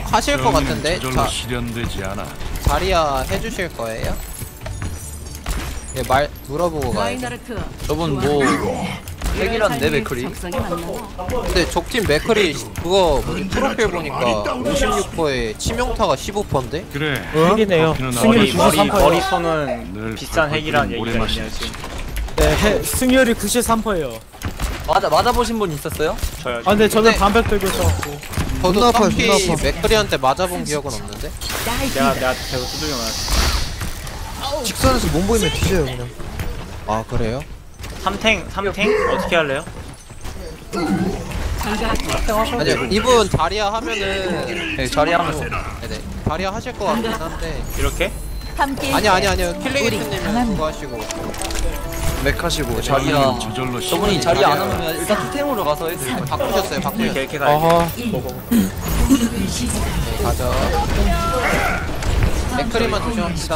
하실 것 같은데. 저절로 실현되지 않아. 자리야 해주실 거예요? 예, 말 물어보고 가요. 저분 뭐 핵이란데 맥크리? 근데 적팀 맥크리 그거 뭐지 프로필 보니까 56%에 치명타가 15%인데? 그래. 핵이네요. 승률이 머리 93%예요. 머리선은 늘 비싼 핵이란 오래 얘기가 마시지. 있네요 지금. 네, 승률이 93%예요. 맞아보신 분 있었어요? 저요. 아 근데 저는 근데- 반백 들고 있어갖고. 저도 존나 아파요, 딱히 존나 아파. 맥크리한테 맞아본 기억은 없는데? 내가 대고 두들겨 맞았어. 직선에서 몸 보이면 뒤져요 그냥. 아 그래요? 3탱 어떻게 할래요? 아니요 이분 자리야 하면은 네, 자리야 하면서. 네네 자리야 하실 것 같긴 한데 이렇게? 아니요 킬링이트님은 그거 하시고 맥하시고 자리야. 저절로 저분이 자리 안 하면 일단 투탱으로 가서 해도 될것 같아요. 바꾸셨어요 바꾸셨어요. 이렇게 가야 어허. 네, 가죠. 맥크리만 조심합시다.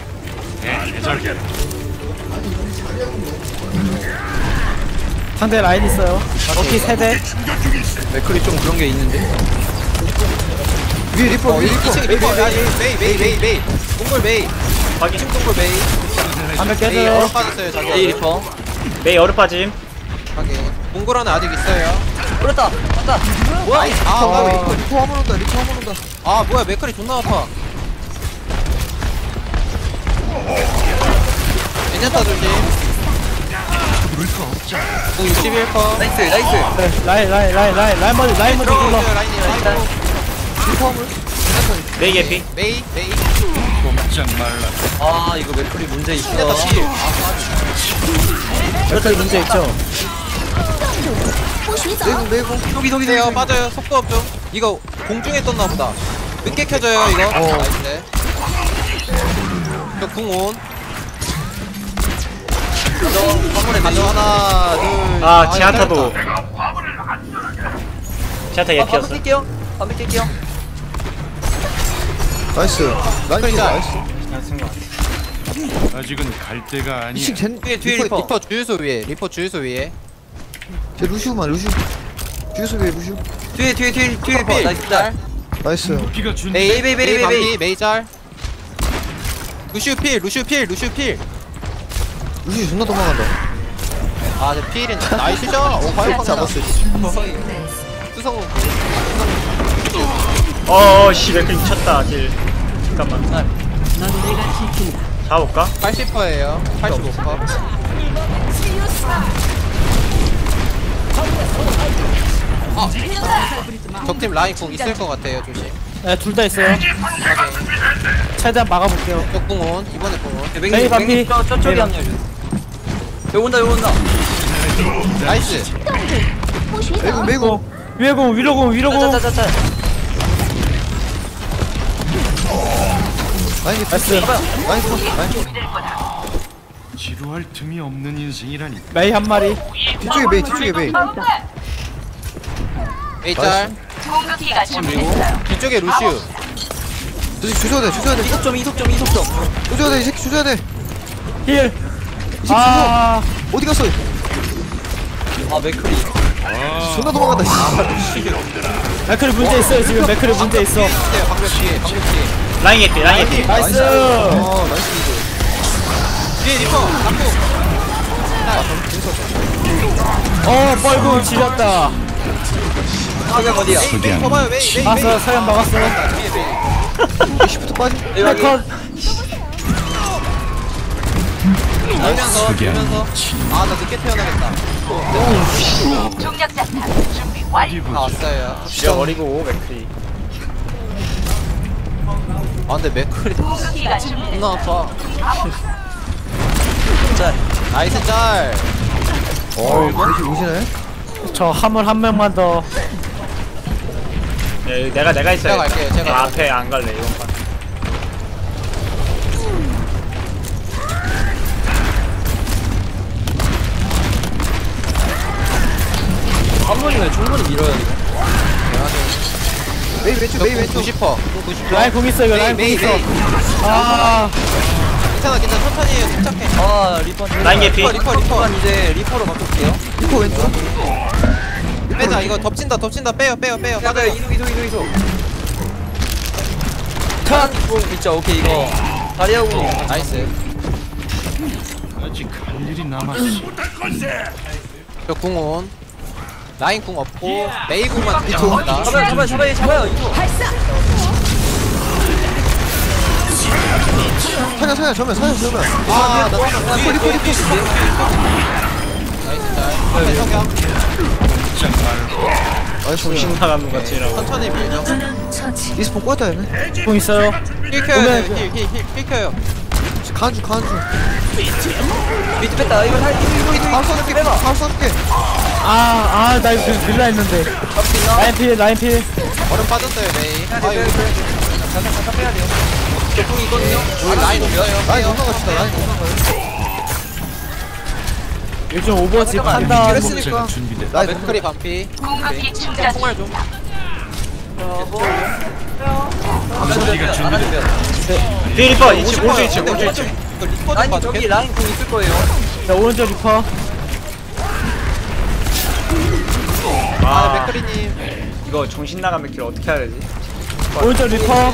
상대 라인 있어요. 버키 세대. 맥클이 좀 그런 게 있는데. 위에 리퍼 위에 리퍼. 2층 리퍼 메이 동굴 메이 확인. 2층 동굴 메이 반백 메이 깨져요. 얼어 빠졌어요 자기 A 리퍼. 메이 어르 빠짐. 확인 동굴 안에 아직 있어요. 그렇다. 맞다. 뭐야 리퍼 리퍼 한번 온다 리퍼 한번 온다. 아 뭐야 맥크리 존나 아파. 괜찮다 조심. 61퍼 나이스. 네, 라인 먼저 불러. 들어오세요 라인이 라인 리퍼 한번. 메이 개피. 메이 꼼짝 말라. 아 이거 맥클이 문제 있어. 괜찮다 필. 이렇게 문제 있죠. 매고. 속이 돼요 빠져요 속도 없죠. 이거 공중에 떴나 보다. 늦게 켜져요 이거. 나이스. 저 궁온. 가져 하나 둘. 아 지하타도. 짧다. 지하타 예피였어. 반백 깰게요. 나이스. 나이스 자. 나이스. 아직은 갈 때가 아니야. 2층 젠 뒤에 리퍼 주유소 위에 리퍼 주유소 위에. 제 루시우만 루시우. 주유소 위에 루시우. 뒤에 리퍼 나이스 짤. 나이스. 피가 준. 메이 반피 메이 짤. 루시우 필 루시우 존나 도망간다. 아, 저 필인 나이스죠? 오, 과연 잡았어. 수성우. 씨 맥클 미쳤다 딜. 잠깐만. 잡아볼까? 80%예요. 85%. 적팀 라인 공 있을 것 같아요, 조심. 네, 둘 다 있어요. 최대한 막아볼게요. 적궁온 이번에 궁온. 메이 반피. 저쪽에 합류해. 여기 온다. 나이스. 매고. 위에공 위로공. 짜짜짜짜. 나이스. 나이스. 나이스. 지루할 틈이 없는 인생이라니. 메이 한 마리. 뒤쪽에 메이. 메이 짤. 뒤쪽에 루시우. 조져야 돼. 이속점. 조져야 돼. 이 새끼 조져야 돼. 힐. 이 새끼 아, 어디 갔어? 아 맥클이. 존나 도망간다. 맥클이 문제 있어요 지금. 맥클이 문제 있어. 있어요, 방금 뒤에. 라인 개피. 나이스. 나이스 이거. 뒤에 리퍼. 잡고. 뻘궁 지렸다. 사격 어디야? 메이 쳐봐요, 메이. 막았어. 서현 막았어. 뒤에 메이. 시프트 빠지. 컷. 돌면서. 아, 나 늦게 태어나겠다. 다 왔어요. 죽여버리고 맥클이. 아, 근데 맥클이 존나 아파. 짤. 나이스 짤. 이렇게 오시네. 저 화물 한 명만 더. 내가 있어요. 제가 갈게요, 제가. 앞에 안 갈래 이번 판. 한 번이면 충분히 밀어야 돼. 메이 왼쪽. 90%. 라인 공 있어 이거. 라인 공 메이, 있어. 메이. 아, 괜찮아, 천천히 해요, 침착해. 아 리퍼. 라인 개피. 리퍼. 이제 리퍼로 바꿀게요. 리퍼 왼쪽. 빼자, 이거 덮친다, 빼요. 맞아요. 이동. 공 있죠. 오케이 이거 다리하고 나이스. 아직 할 일이 남았어. 저 궁온. 라인 궁 없고 메이 궁만 들어갑니다. 잡아요 이거. 사냥 정면 아, 나 리퍼 나이스 잘. 성경 꼼짝 말라. 나이스 정신 나간 것 같이 이라고. 천천히 밀죠. 리스폰 꽂았다 얘네 공 있어요. 힐 켜요. 힐 켜요. 간주 밑에 뺐다. 이거 바로 쏴줄게 나 이거 밀라 했는데. 라인 필. 얼음 빠졌어요 메이. 아유 잠깐 빼야 돼요. 저궁 있거든요. 라인 없어요. 라인 넘어갑시다 라인 넘어가요 요즘 오버워치 판단. 목재가 준비됐다. 라인 맥크리 반피. 총알 좀. 목재가 준비됐다. 뒤에 리퍼 2층 오른쪽 2층 오른쪽 2층. 이거 리퍼 좀 라인 봐줘. 저기 라인 공 있을 거예요. 자, 오른쪽 리퍼. 아 맥크리님. 이거 정신 나간 맥킬 어떻게 해야 되지? 오른쪽 리퍼.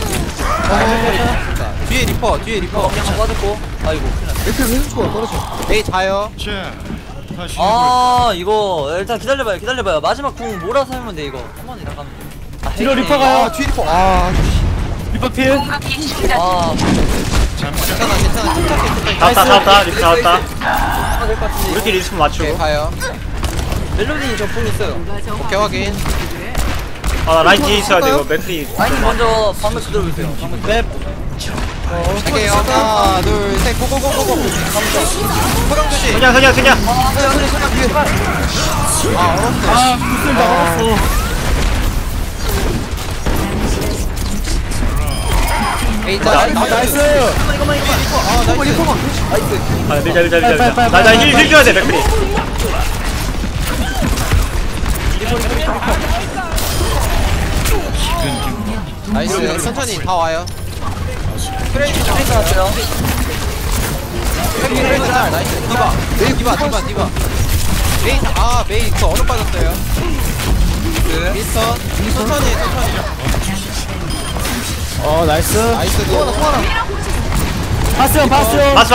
뒤에 리퍼. 그냥 맞았고. 아이고. 맥힐 왼쪽 떨어져 메이 자요. 자, 다시 아 이거 일단 기다려봐요. 마지막 궁 몰아서 하면 돼 이거. 한번 나가면 돼. 뒤로 리퍼 가요. 뒤에 리퍼 리퍼 필. 아 괜찮아. 침착해. 잡았다 리퍼 잡았다. 될것 같은데. 우리끼리 리스폰 오케이 맞추고. 가요. 멜로디 저궁 있어요. 오케이 확인. 아 라인 뒤에 있어야 돼 이거 맥클이. 라인 먼저 방금 그대로 있어요. 방금 랩. 갈게요. 하나 둘 셋 고고고고고. 소령 조심. 그냥 아 얼었어. 구슬 나갔어. 메이 자. 나이스. 아 나이스. 아 밀자. 빨리. 나힐 줘야 돼 맥클이. 나이스. 천천히 다 와요. 크레이지 트레이스 왔어요. 크레이지 잘. 나이스. 디바. 메이 메이 그 얼음 빠졌어요. 미스턴. 천천히. 나이스. 나이스. 소환아. 봤어요. 바스.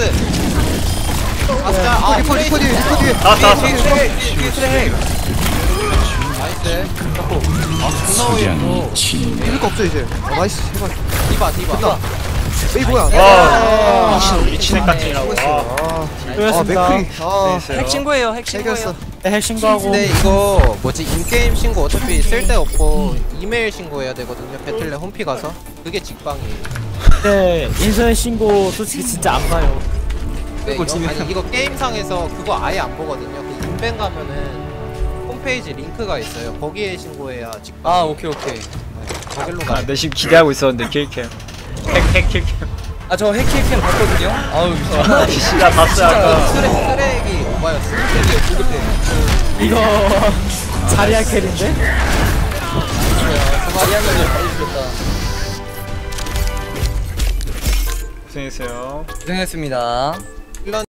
아 리퍼 뒤에 나왔다. 뒤에 트레. 나이스. 고마워요. 이럴 거 없어 이제 나이스 제발 디바. 에이 뭐야 미친 애 같지라고. 수고하셨습니다. 맥크리 핵 신고예요. 핵 해결했어 신고예요. 핵 신고하고. 근데 이거 뭐지 인게임 신고 어차피 쓸데없고 이메일 신고해야 되거든요. 배틀넷 홈피 가서 그게 직방이에요. 네, 인터넷 신고 솔직히 진짜 안 가요. 네, 아니 이거 게임상에서 그거 아예 안 보거든요. 그 인벤 가면은 홈페이지 링크가 있어요. 거기에 신고해야 직방. 아 오케이. 거길로 가. 내 지금 기대하고 있었는데 킬캠. 핵 킬캠. 아 저 핵킬캠 봤거든요. 아우 나 봤어 아까. 쓰레기 오바였어. 이거 자리아 캘인데? 마리아를 알려주겠다. 고생했어요. 고생했습니다.